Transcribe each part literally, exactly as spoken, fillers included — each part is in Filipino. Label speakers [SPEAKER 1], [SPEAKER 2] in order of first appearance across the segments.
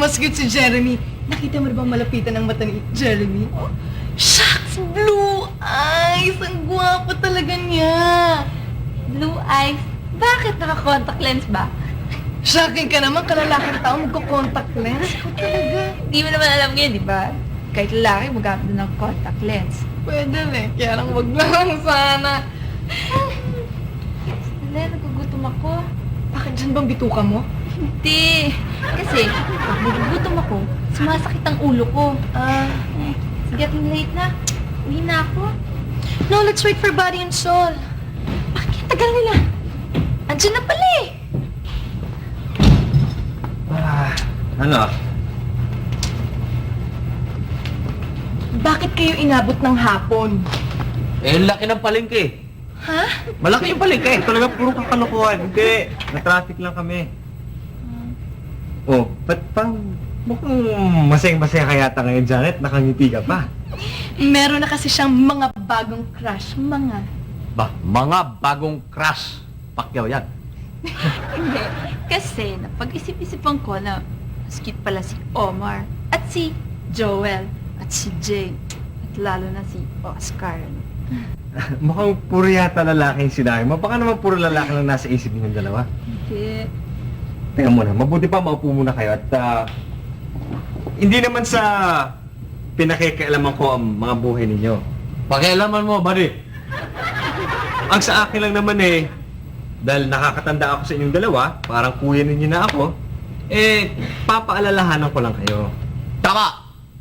[SPEAKER 1] Mas cute si Jeremy. Nakita mo na bang malapitan ang mata ni Jeremy? Oh, shucks! Blue eyes! Ang gwapo talaga niya!
[SPEAKER 2] Blue eyes? Bakit naka-contact lens ba?
[SPEAKER 1] Shocking ka naman, kalalaking tao magko-contact lens. Ikaw talaga.
[SPEAKER 2] Hindi mo naman alam ngayon, di ba? Kahit lalaki, magamit din ng contact lens.
[SPEAKER 1] Pwede eh. Kaya lang wag lang sana.
[SPEAKER 2] Sandali, nagugutom ako.
[SPEAKER 1] Bakit dyan bang bituka mo?
[SPEAKER 2] Hindi. Kasi, pag nagugutom ako, sumasakit ang ulo ko.
[SPEAKER 1] Ah,
[SPEAKER 2] Eh, sige, ating late na. Uwi na ako.
[SPEAKER 1] no, let's wait for Body and Soul.
[SPEAKER 2] Bakit tagal nila? Andiyan na pala eh.
[SPEAKER 3] Ah, ano?
[SPEAKER 1] Bakit kayo inabot ng hapon?
[SPEAKER 3] Eh, laki ng palengke.
[SPEAKER 1] Ha?
[SPEAKER 3] Malaki yung palengke. Talaga puro kakalukuhan. Hindi. Na-traffic lang kami. Oh, ba't pang... Mukhang masayang-masaya ka yata ngayon, Janet. Nakangiti ka pa.
[SPEAKER 1] Meron na kasi siyang mga bagong crush. Mga.
[SPEAKER 3] Ba, mga bagong crush. Pakyaw yan.
[SPEAKER 2] Hindi. Kasi, napag-isip-isipan ko na mas cute pala si Omar at si Joel at si Jay at lalo na si Oscar.
[SPEAKER 3] Mukhang puro yata lalaki yung sinabi mo. Baka naman puro lalaki lang nasa isip ninyong dalawa.
[SPEAKER 2] Hindi.
[SPEAKER 3] Teka muna, mabuti pa maupo muna kayo at ah, hindi naman sa pinakikialaman ko ang mga buhay ninyo. Pakialaman mo, buddy. Ang sa akin lang naman eh, dahil nakakatanda ako sa inyong dalawa, parang kuya ninyo na ako, eh, papaalalahanan ko lang kayo. Tama!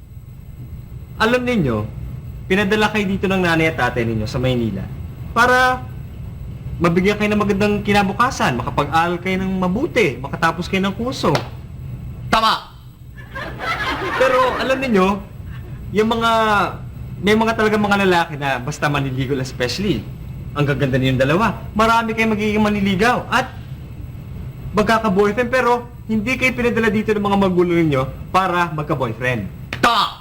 [SPEAKER 3] Alam ninyo, pinadala kayo dito ng nanay at tatay ninyo sa Maynila para mabigyan kayo ng magandang kinabukasan, makapag-aral kayo ng mabuti, makatapos kayo ng kurso. Tama! Pero alam niyo, yung mga, may mga talaga mga lalaki na basta maniligaw especially, ang gaganda niyong dalawa, marami kayong magiging maniligaw at magkaka-boyfriend pero hindi kayo pinadala dito ng mga magulo ninyo para magka-boyfriend. Tama!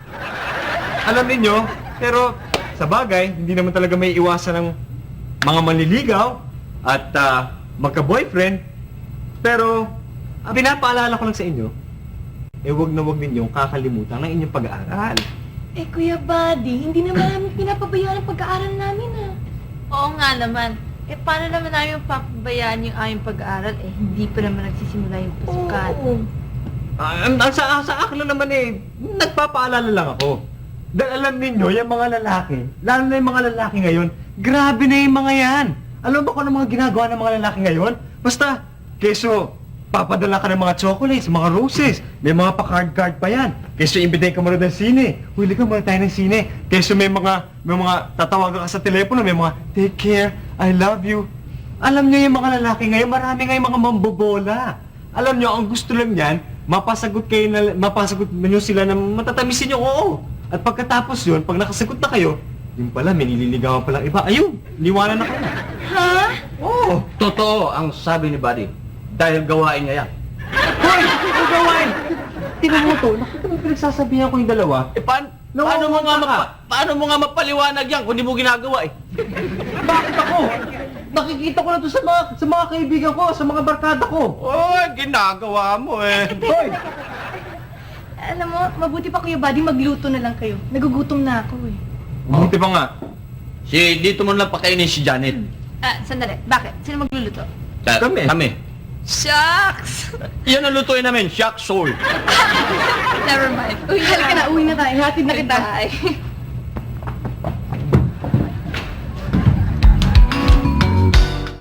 [SPEAKER 3] Alam niyo, pero sa bagay, hindi naman talaga may iwasan ng mga manliligaw at ah, magka-boyfriend. Pero, ang pinapaalala ko lang sa inyo, eh wag na wag ninyong kakalimutan ng inyong pag-aaral.
[SPEAKER 1] Eh, Kuya Buddy, hindi naman namin pinapabayaan ang pag-aaral namin ah.
[SPEAKER 2] Oo nga naman. Eh, paano naman namin papabayaan yung aming pag-aaral? Eh, hindi pa naman nagsisimula yung pasukan.
[SPEAKER 1] Oo.
[SPEAKER 3] Ah, ang- ang sa, sa akin lang naman eh, nagpapaalala lang ako. Dahil alam ninyo, yung mga lalaki, lalo na yung mga lalaki ngayon, grabe na yung mga yan. Alam mo ba kung ano mga ginagawa ng mga lalaki ngayon? Basta, keso, papadala ka ng mga chocolates, mga roses, may mga pa-card-card pa yan. Keso, imbitay ka muna ng sine. Huli ka muna tayo ng sine. Keso, may mga, may mga tatawagan ka sa telepono, may mga, take care, I love you. Alam nyo yung mga lalaki ngayon, marami ngayong mga mambobola. Alam nyo, ang gusto lang yan, mapasagot kayo na, mapasagot nyo sila na matatamisin nyo, oo. At pagkatapos yun, pag nakasagot na kayo, yung pala, may nililigawan palang iba. Ayun, liwanan na kayo.
[SPEAKER 1] Ha?
[SPEAKER 3] Oo.
[SPEAKER 4] Totoo ang sabi ni Buddy. Dahil gawain niya yan.
[SPEAKER 3] Hoy! Ang gawain! Tingnan mo to, nakita mo pinagsasabihan ko yung dalawa.
[SPEAKER 4] Eh, paan,
[SPEAKER 3] No,
[SPEAKER 4] paano, mo nga
[SPEAKER 3] baka.
[SPEAKER 4] mapa, paano mo nga mapaliwanag yan kung di mo ginagawa eh?
[SPEAKER 3] Bakit ako? Nakikita ko na to sa mga, sa mga kaibigan ko, sa mga barkada ko.
[SPEAKER 4] Oh, ginagawa mo eh.
[SPEAKER 3] Hoy!
[SPEAKER 1] Alam mo, mabuti pa Kuya Buddy, magluto na lang kayo. Nagugutom na ako eh.
[SPEAKER 3] Buti pa nga.
[SPEAKER 4] Si, dito mo lang pakainin si Janet.
[SPEAKER 2] Ah, sandali. Bakit? Sino magluluto?
[SPEAKER 4] Ka-
[SPEAKER 3] Kami.
[SPEAKER 4] Kami.
[SPEAKER 2] Shucks!
[SPEAKER 4] Yan ang lutuin namin, shock soul.
[SPEAKER 2] Never mind. Uwi na
[SPEAKER 1] Halika na, uwi na tayo. Hatid na kita.
[SPEAKER 2] Bye.